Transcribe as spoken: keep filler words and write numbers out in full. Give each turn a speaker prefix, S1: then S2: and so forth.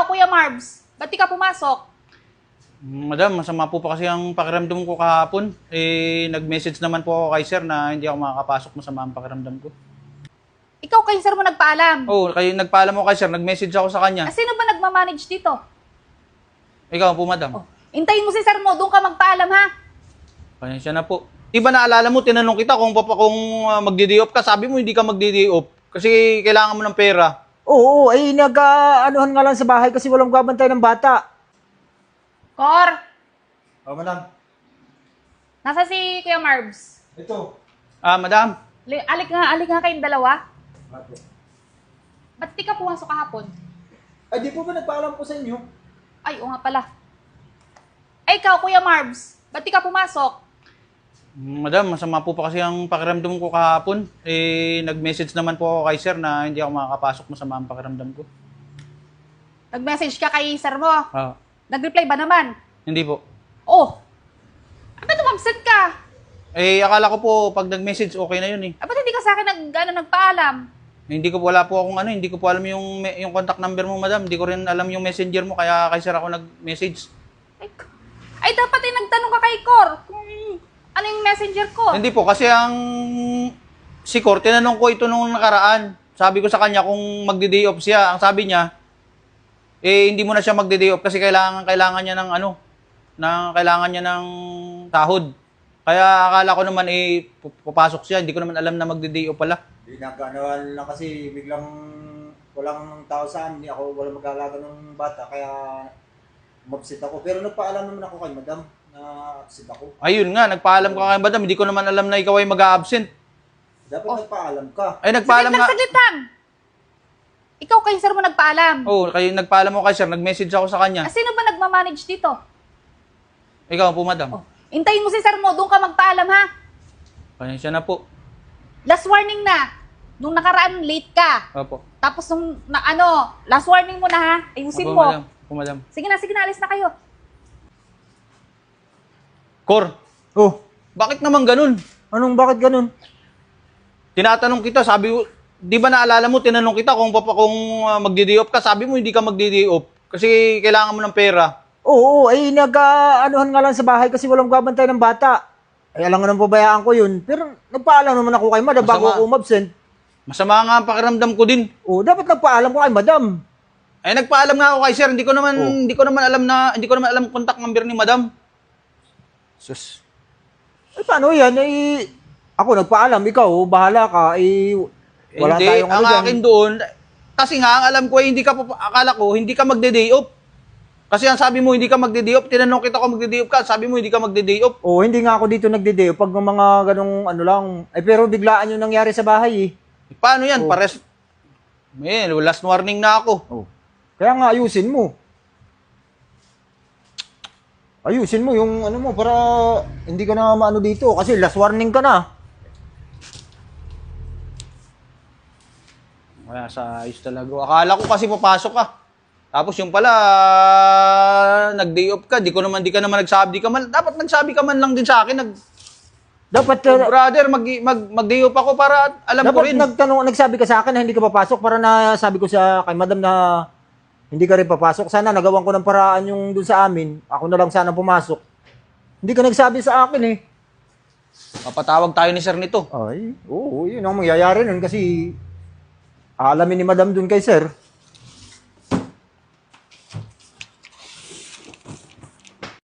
S1: ikaw, Kuya Marbs, ba't di ka pumasok?
S2: Madam, masama po pa kasi ang pakiramdam ko kahapon. Eh, nag-message naman po ako kay sir na hindi ako makakapasok, masama ang pakiramdam ko.
S1: Ikaw kay sir mo nagpaalam.
S2: Oh, kayo nagpaalam mo kay sir, nag-message ako sa kanya.
S1: Ah, sino ba nagmamanage dito?
S2: Ikaw po, madam.
S1: Oh, intayin mo si sir mo, doon ka magpaalam ha.
S2: Pasensya na po. Di ba naalala mo, tinanong kita kung, papa, kung uh, magdi-day off ka, sabi mo hindi ka magdi-day off kasi kailangan mo ng pera.
S3: Oo, ay nag-anuhan nga lang sa bahay kasi walang gabantay ng bata.
S1: Cor,
S3: Oh, madam.
S1: nasa si Kuya Marbs?
S3: Ito.
S2: Ah, madam.
S1: Li- Alik nga, alik nga kayong dalawa. Ba't di ka pumasok kahapon?
S3: Ay, di po ba nagpaalam po sa inyo?
S1: Ay, o nga pala. Ay, ikaw, Kuya Marbs, ba't di ka pumasok?
S2: Madam, masama po pa kasi ang pakiramdam ko kahapon. Eh, nag-message naman po ako kay sir na hindi ako makakapasok, masama ang pakiramdam ko.
S1: Nag-message ka kay sir mo.
S2: Ah,
S1: Nag-reply ba naman?
S2: hindi po.
S1: Oh, ah, ba't umabsent ka?
S2: Eh, akala ko po pag nag-message okay na yun eh.
S1: Ah, ba't hindi ka sa akin nag, ano, nagpaalam?
S2: Hindi ko wala po akong ano, hindi ko po alam yung me- yung contact number mo, madam. Hindi ko rin alam yung messenger mo kaya kay sir ako nag-message.
S1: Ay, k- ay dapat ay nagtanong ka kay Cor kung ano yung messenger ko.
S2: Hindi po kasi ang si Cor, tinanong ko ito nung nakaraan. Sabi ko sa kanya kung magde-day off siya. Ang sabi niya, eh hindi mo na siya magde-day off kasi kailangan kailangan niya ng ano, na kailangan niya ng sahod. Kaya akala ko naman eh papasok siya. Hindi ko naman alam na magde-day off pala.
S3: Hindi nagkanawan lang kasi biglang walang tao sa amin. Ako walang mag-aalaga ng bata kaya umabsent ako. Pero nagpaalam naman ako kay madam na absent ako.
S2: Ayun nga, nagpaalam ka kay madam. Hindi ko naman alam na ikaw ay mag-a-absent.
S3: Dapat
S1: Oh.
S3: nagpaalam ka.
S2: Ay nagpaalam
S1: Saglit lang,
S2: nga.
S1: saglit lang. Ikaw kay sir mo nagpaalam.
S2: Oh, kayo nagpaalam mo kay sir, nag-message ako sa
S1: Ah,
S2: kanya.
S1: sino ba nagmamanage dito?
S2: Ikaw po, madam.
S1: Oh, intayin mo si sir mo, doon ka magpaalam ha.
S2: Pasensya na po.
S1: Last warning na. Nung nakaraan, late ka.
S2: Opo.
S1: Tapos nung, na, ano, last warning mo na ha. Ayusin
S2: Opo,
S1: mo.
S2: madam. Opo, madam.
S1: Sige na, sige na, alis na kayo.
S2: Cor,
S3: Oh,
S2: bakit naman ganun?
S3: anong bakit ganun?
S2: Tinatanong kita, sabi ko, di ba naalala mo, tinanong kita kung, papa, kung uh, magdi-day off ka, sabi mo hindi ka magdi-day off kasi kailangan mo ng pera.
S3: Oo, ay nag-anuhan nga lang sa bahay kasi walang gabantay ng bata. Ay alam nga nang pabayaan ko yun. Pero nagpaalam naman ako kay madam bago
S2: Masama.
S3: ako umabsent.
S2: Masama nga ang pakiramdam ko din.
S3: Oo, dapat nagpaalam ko kay madam.
S2: Ay nagpaalam nga ako kay sir, hindi ko naman
S3: Oh.
S2: hindi ko naman alam na hindi ko naman alam contact number ni madam.
S3: Sus. Ay paano yan? Ay, ako nagpaalam, ikaw, bahala ka. Ay, wala
S2: hindi,
S3: tayong
S2: ang
S3: ano dyan.
S2: akin doon, kasi nga, ang alam ko, eh, hindi ka, papa- akala ko, hindi ka magde-day off. Kasi ang sabi mo, hindi ka magde-day off, tinanong kita kung magde-day off ka, sabi mo, hindi ka magde-day off.
S3: Oo, hindi nga ako dito nagdedeo pag mga ganong ano lang. Ay, pero biglaan yung nangyari sa bahay eh.
S2: Paano yan?
S3: Oh.
S2: Pares, man, last warning na ako.
S3: Oh. Kaya nga, ayusin mo. Ayusin mo yung ano mo para hindi ka na maano dito kasi last warning ka na.
S2: Kaya sa ayos talaga. Akala ko kasi papasok ka. Tapos yung pala, nag-day off ka, di ko naman, di ka naman nagsabi, di ka man, dapat nagsabi ka man lang din sa akin, nag,
S3: Dapat
S2: oh,
S3: uh,
S2: brother, mag, mag, mag-day off ako para alam ko
S3: dapat
S2: rin.
S3: nagtanong nagsabi ka sa akin na hindi ka papasok para na sabi ko sa kay madam na hindi ka rin papasok. Sana nagawan ko ng paraan yung dun sa amin. Ako na lang sana pumasok. Hindi ka nagsabi sa akin eh.
S2: Papatawag tayo ni sir nito.
S3: Ay, oo, yun ang mangyayari nun kasi aalamin ni madam dun kay sir.